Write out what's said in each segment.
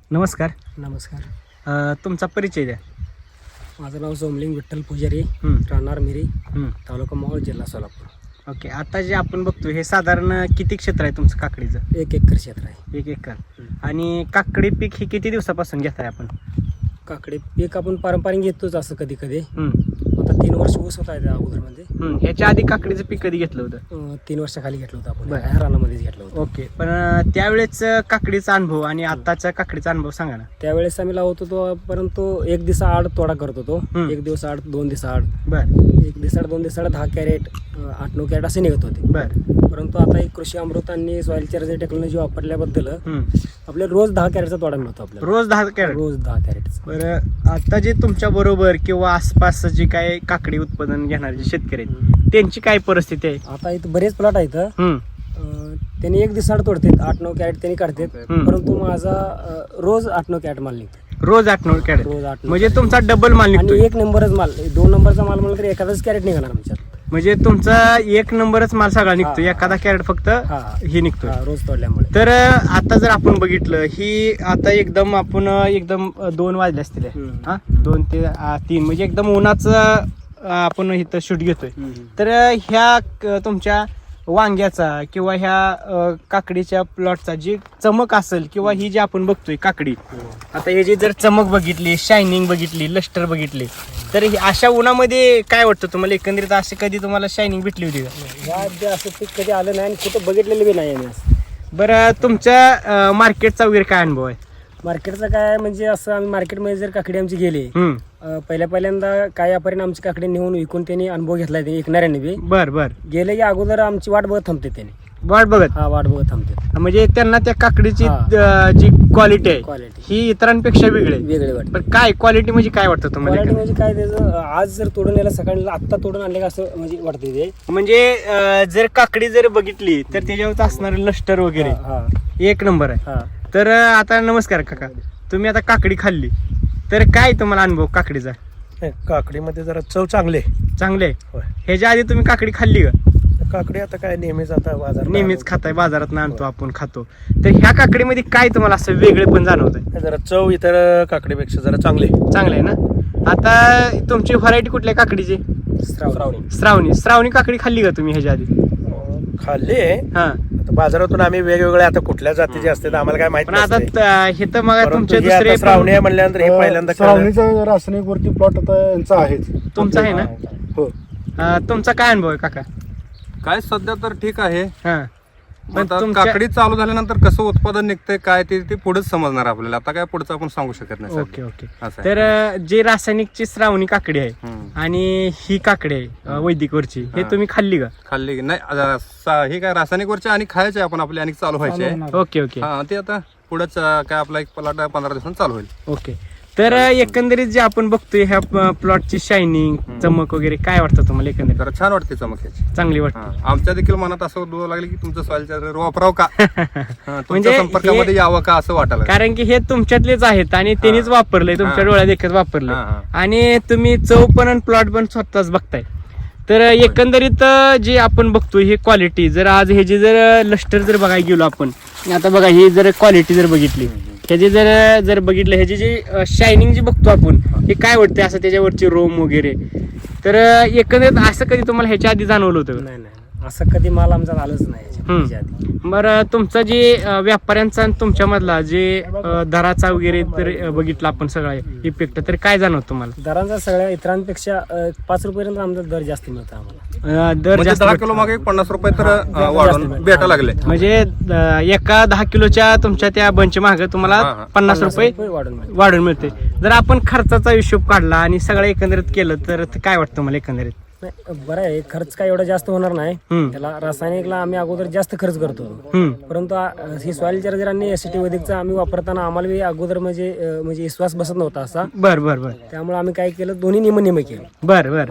नमस्कार. नमस्कार. तुमचा परिचय द्या. माझं नाव सोमलिंग विठ्ठल पुजारी, हं, राहणार मिरी, हं. तालुका मोहोळ, जिल्हा सोलापूर. ओके. आता जे आपण बघतो हे साधारण किती क्षेत्र आहे तुमचं काकडीचं? 1 एकर क्षेत्र आहे. 1 एकर. आणि काकडी पीक हे किती दिवसापासून घेताय आपण? काकडे पीक आपण पारंपरिक घेतोच असं कधी कधी. हं, आता 3 वर्ष ऊस होता त्या अगोदरमध्ये. ह्याच्या आधी काकडीचं पीक कधी घेतलं होतं? 3 वर्षाखाली घेतलं होतं आपण. बरं. ह्या रानामध्येच घेतलं होतं. ओके. पण त्यावेळेस काकडीचा अनुभव आणि आताचा काकडीचा अनुभव सांगा ना. त्यावेळेस आम्ही लावत होतो, परंतु 1 दिवसा आड तोडा करत होतो. हं. 1 दिवस आड, 2 दिवस आड, बर 1 दिवस आड, 2 दिवस आड 10 कॅरेट, 8-9 कॅरेट असे निघत होते. बर परंतु आता एक कृषी अमृत आणि सॉइल चार्जर टेक्नॉलॉजी वापरल्याबद्दल हं. आपले रोज 10 कॅरेटचा तोडा मिळतो आपल्याला. रोज 10 कॅरेट. रोज 10 कॅरेट. बरं, आता जे तुमच्या बरोबर किंवा आसपास जे काय काकडी उत्पादन घेणारे जे शेतकरी आहेत त्यांची काय परिस्थिती आहे? आता इथं बरेच प्लॉट आहेत. हं, त्यांनी 1 दिवसाआड तोडतात, 8-9 कॅरेट त्यांनी काढतात. हं. परंतु माझा रोज 8-9 कॅरेट माल निघतो. रोज 8-9 कॅरेट. रोज 8-9. म्हणजे तुमचा डबल माल आणि निघतोय. 1 नंबरच माल, 2 नंबरचा माल म्हणलं तर एखादाच कॅरेट निघणार आमच्यात. म्हणजे तुमचा 1 नंबरच माल सगळा निघतो. हा. एखादा कॅरेट फक्त हा. ही निघतोय. रोज तोडल्यामुळे. तर आता जर आपण बघितलं ही आता आपण एकदम 2 वाजले असतील हम्म. हा 2 ते 3 म्हणजे एकदम उन्हाचं आपण इथं शूट घेतोय. तर ह्या तुमच्या वांग्याचा किंवा ह्या काकडीच्या प्लॉटचा जी चमक असेल किंवा ही जी आपण बघतोय काकडी, आता हे जी जर चमक बघितली, शायनिंग बघितली, लस्टर बघितले, तर अशा उन्हामध्ये काय वाटतं तुम्हाला एकंदरीत? असे कधी तुम्हाला शायनिंग भेटली होती का? या जे असं पीक कधी आलं नाही आणि कुठं बघितलेलं बी नाही आम्ही असं. बरं, तुमच्या मार्केटचा वगैरे काय अनुभव आहे? मार्केटचं काय म्हणजे असं, आम्ही मार्केटमध्ये जर काकडी आमची गेली, पहिल्यांदा काय यापर्यंत आमची काकडी नेऊन विकून त्यांनी अनुभव घेतलाय, ते विकणाऱ्याने बी. बर गेले की अगोदर आमची वाट बघत थांबते त्यांनी. वाट बघत. हा, वाट बघत थांबते. म्हणजे त्यांना त्या काकडीची हा. जी क्वालिटी आहे क्वालिटी ही इतरांपेक्षा वेगळी आहे. वेगळी वाटते. पण काय क्वालिटी म्हणजे काय वाटतं तुम्हाला क्वालिटी एकंदरीत? म्हणजे काय त्याचं, आज जर तोडून यायला सकाळी आत्ता तोडून आणले का असं म्हणजे वाटते ते. म्हणजे जर काकडी जर बघितली तर त्याच्यावर असणारे लस्टर वगैरे हा. 1 नंबर आहे. हा. तर आता नमस्कार काका, तुम्ही आता काकडी खाल्ली तर काय तुम्हाला अनुभव काकडीचा? काकडीमध्ये जरा चव चांगली आहे. चांगले आहे. होय. ह्याच्या आधी तुम्ही काकडी खाल्ली का? काकडी आता काय नेहमीच आता बाजार नेहमीच खाताय, बाजारात आणतो आपण खातो. तर ह्या काकडीमध्ये काय तुम्हाला असं वेगळे पण जाणवत आहे? जरा चव इतर काकडीपेक्षा जरा चांगली आहे. चांगलं आहे ना. आता तुमची व्हरायटी कुठल्या काकडीची? श्रावणी. श्रावणी काकडी खाल्ली का तुम्ही ह्याच्या आधी? खाल्ली आहे. हा. आता बाजारातून आम्ही वेगवेगळे आता कुठल्या जातीचे असते आम्हाला काय माहिती पण आता हे तर मग परंतु तुमचे ही दुसरे आता श्रावणी आहे म्हणल्यानंतर हे पहिल्यांदा खाल्लं. श्रावणीचा रासायनिक वरती प्लॉट आता यांचा आहे. तुमचा आहे ना. हो. तुमचा काय अनुभव आहे काका? काय सध्या तर ठीक आहे. हा. पण आता तुमच्या- काकडी चालू झाल्यानंतर कसं उत्पादन निघतंय काय ते पुढेच समजणार आपल्याला. आता काय पुढचं आपण सांगू शकत नाही ओके सध्या. ओके. असं आहे. तर जे रासायनिकची श्रावणी काकडी आहे हम्म. आणि ही काकडी आहे वैदिक वरची, हे हा. तुम्ही खाल्ली का? खाल्ली की नाही? हे काय रासायनिक वरचे आणि खायचे आपण आपले आणि चालू व्हायचे आहे. ओके ओके हा, ते आता पुढेच काय आपला एक प्लॉट 15 दिवसांनी चालू होईल. ओके. तर एकंदरीत जे आपण बघतोय ह्या प्लॉटची शायनिंग, चमक वगैरे काय वाटतं तुम्हाला एकंदरीत? जरा छान वाटते चमक ह्याची. चांगली वाटते. हा, आमच्या देखील मनात असं डोळं लागले की तुमचं सॉइल चार्जर वापराव का, म्हणजे तुमच्या संपर्कामध्ये यावं का असं वाटायला लागलं. कारण की हे तुमच्यातलेच आहेत आणि त्यांनीच वापरलंय, तुमच्या हा. डोळ्यात देखत वापरलंय. हा, हा. आणि तुम्ही चव पण आणि प्लॉट पण स्वतःच बघताय. तर एकंदरीत जे आपण बघतोय हे क्वालिटी, जर आज हे जे जर लस्टर जर बघायला गेलो आपण, आता बघा ही जर क्वालिटी जर बघितली, ह्याची जर बघितलं ह्याची जी शायनिंग जी बघतो आपण, हे काय वाटते असं त्याच्यावरची रोम वगैरे, तर एकंदरीत असं कधी तुम्हाला ह्याच्या आधी जाणवलं होतं? नाही नाही, असं कधी माल आमचा आलंच नाही याच्या आधी. बरं, तुमचा जे व्यापाऱ्यांचा आणि तुमच्या मधला जे दराचा वगैरे तर बघितला आपण सगळा इफेक्ट, तर काय जाणवत तुम्हाला? दरांचा सगळ्या इतरांपेक्षा 5 रुपयांपर्यंत आमचा दर जास्त मिळतो आम्हाला. दर म्हणजे जास्त 10 भेटतो. किलो मागे 50 रुपये तर वाढून भेटायला लागले. म्हणजे एका 10 किलोच्या तुमच्या त्या बंच मागे तुम्हाला हा, हा. 50 रुपये वाढून मिळते. जर आपण खर्चाचा हिशोब काढला आणि सगळं एकंदरीत केलं तर काय वाटतं मला एकंदरीत? नाही, बरं आहे, खर्च काय एवढा जास्त होणार नाही. हम्म. त्याला रासायनिकला आम्ही अगोदर जास्त खर्च करतो. हम्म. परंतु ही सॉइल चार्जर आणि एसिटी वैदिकचा आम्ही वापरताना आम्हाला बी अगोदर म्हणजे विश्वास बसत नव्हता असा. बर बर बर त्यामुळे आम्ही काय केलं, दोन्ही निम केलं. बर बर.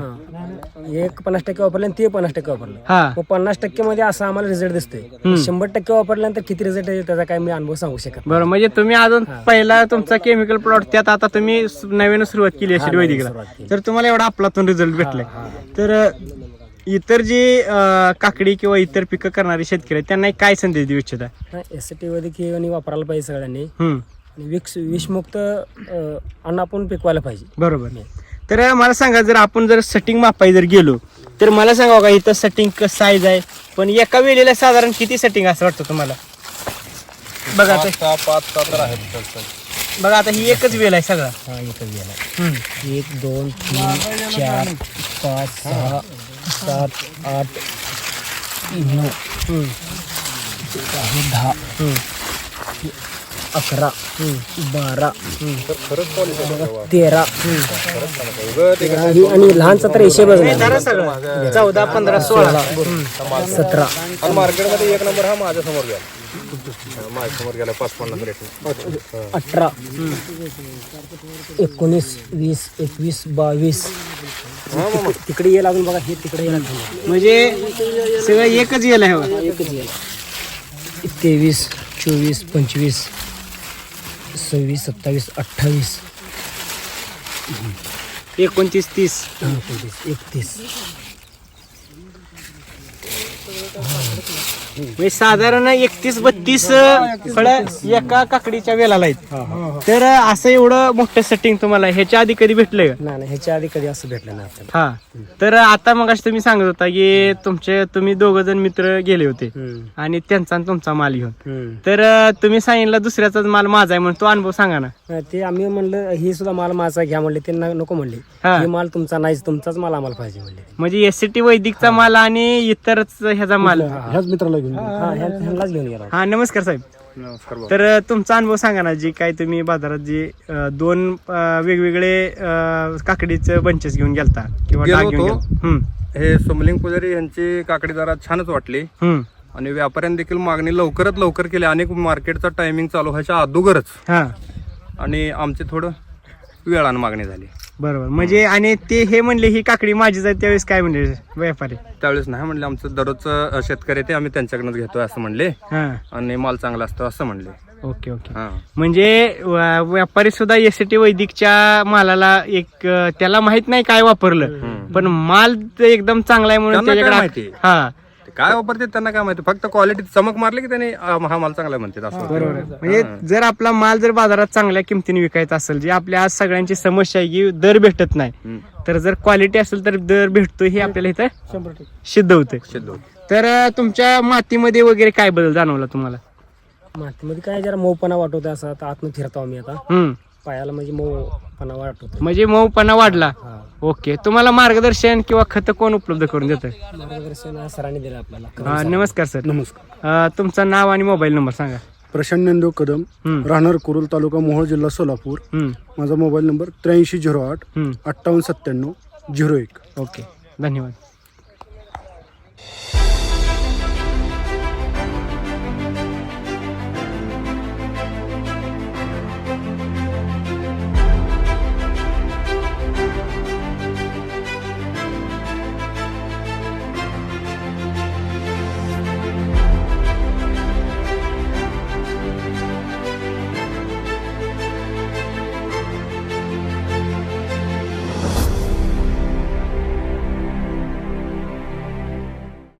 एक 50% वापरलं आणि ते 50% वापरलं. हा. मग 50% मध्ये असा आम्हाला रिझल्ट दिसतोय. 100% वापरल्यानंतर किती रिझल्ट येईल त्याचा काय मी अनुभव सांगू शकत नाही. बरं, म्हणजे तुम्ही अजून पहिला तुमचा केमिकल प्लॉट त्यात आता तुम्ही नवीन सुरुवात केली असेल नवीन वैदिकला, सुरुवात केली. तर तुम्हाला एवढा आपलातून रिझल्ट भेटलाय. तर इतर जे काकडी किंवा इतर पिकं करणारे शेतकरी आहेत त्यांना काय संदेश देऊ इच्छिता? एसिटी वैदिक हे वापरायला पाहिजे सगळ्यांनी. हम्म. आणि विषमुक्त अन्न आपण पिकवायला पाहिजे. बरोबर. तर मला सांगा, जर आपण जर सेटिंग मापाय जर गेलो तर मला सांगा का इथं सेटिंग साईज आहे, पण एका वेळेला साधारण किती सेटिंग असं वाटतं तुम्हाला? बघा आता 5-6 तर आहेत. बघा आता ही एकच वेळ आहे सगळा. हा एकच गेला. 1 2 3 4 5 6 7 8 9 10 11 12 13 आणि लहानचा तर हिशेबच नाही. 14 15 16 17 आणि मार्केटमध्ये एक नंबर हा माझ्या समोर गेला. माझ्या समोर गेला 550 रेट. 18 19 20 21 22 तिकडे ये लागून बघा, हे तिकडे ये लागून म्हणजे सगळं एकच वेळ आहे बघा. एकच ये. 23 24 25 26 27 28 29 30 31 म्हणजे साधारण 31 32 फळं एका काकडीच्या वेलाला आहेत. तर असं एवढं मोठं सेटिंग तुम्हाला ह्याच्या आधी कधी भेटलंय का? नाही ह्याच्या आधी कधी असं भेटलं नाही आपल्याला. हा. तर आता मग तुम्ही सांगत होता की तुम्ही 2 जण मित्र गेले होते आणि त्यांचा आणि तुमचा माल घेऊन. तर तुम्ही सांगितलं दुसऱ्याचाच माल माझा आहे म्हणून तो अनुभव सांगा ना. ते आम्ही म्हणलं ही सुद्धा माल माझा घ्या म्हणले, ते नको म्हणले. हा. हे माल तुमचा नाही, तुमचाच माल आम्हाला पाहिजे म्हणले. म्हणजे SCT वैदिकचा माल आणि इतरच ह्याचा माल. ह्याच मित्राला घेऊन गेलो. हा ह्यांनाच घेऊन गेला. हा, नमस्कार साहेब. नमस्कार भाऊ. तर तुमचा अनुभव सांगा ना, जी काय तुम्ही बाजारात जी 2 वेगवेगळे काकडीचे बंचेस घेऊन गेलता किंवा गेलो डाग घेऊन होतो. गेलता. हे सोमलिंग पुजारी यांची काकडी जरा छानच वाटली हम्म. आणि व्यापाऱ्यांनी देखील मागणी लवकरात लवकर केली. अनेक मार्केटचा टायमिंग चालू व्हायच्या अगोदरच हा, आणि आमची थोडं वेळानं मागणी झाली. बरोबर. म्हणजे आणि ते हे म्हणले ही काकडी माझीच आहे, त्यावेळेस काय म्हणले व्यापारी? त्यावेळेस नाही म्हणले, आमचं दररोजचं शेतकरी ते आम्ही त्यांच्याकडनं घेतोय असं म्हणले हा, आणि माल चांगला असतो असं म्हणले. Okay okay. हा म्हणजे व्यापारी सुद्धा SCT वैदिकच्या मालाला एक त्याला माहित नाही काय वापरलं, पण माल एकदम चांगला आहे म्हणून त्यांना काय त्याच्याकडे. माहिती? हा, ते काय वापरते त्यांना काय माहिती, फक्त क्वालिटी चमक मारली की त्यांनी हा माल चांगला म्हणतात असं. बरोबर. म्हणजे जर आपला माल जर बाजारात चांगल्या किमतीने विकायचा असेल, जी आपल्या आज सगळ्यांची समस्या आहे की दर भेटत नाही, तर जर क्वालिटी असेल तर दर भेटतो हे आपल्याला इथं सिद्ध होतं. सिद्ध होतं. तर तुमच्या मातीमध्ये वगैरे काय बदल जाणवला तुम्हाला? मातीमध्ये काय जरा मऊपणा वाटवतो, असं आता आतनं फिरतो आम्ही आता हम्म. पायाला, म्हणजे मऊपणा वाटवतो. म्हणजे मऊपणा वाढला. हा. ओके. तुम्हाला मार्गदर्शन किंवा खत कोण उपलब्ध करून देतं? मार्गदर्शन सरांनी दिलं आपल्याला. नमस्कार सर. नमस्कार. तुमचं नाव आणि मोबाईल नंबर सांगा. प्रशांत ज्ञानदेव कदम, राहणार कुरुल, तालुका मोहोळ, जिल्हा सोलापूर. माझा मोबाईल नंबर 8308 5897 01. ओके, धन्यवाद.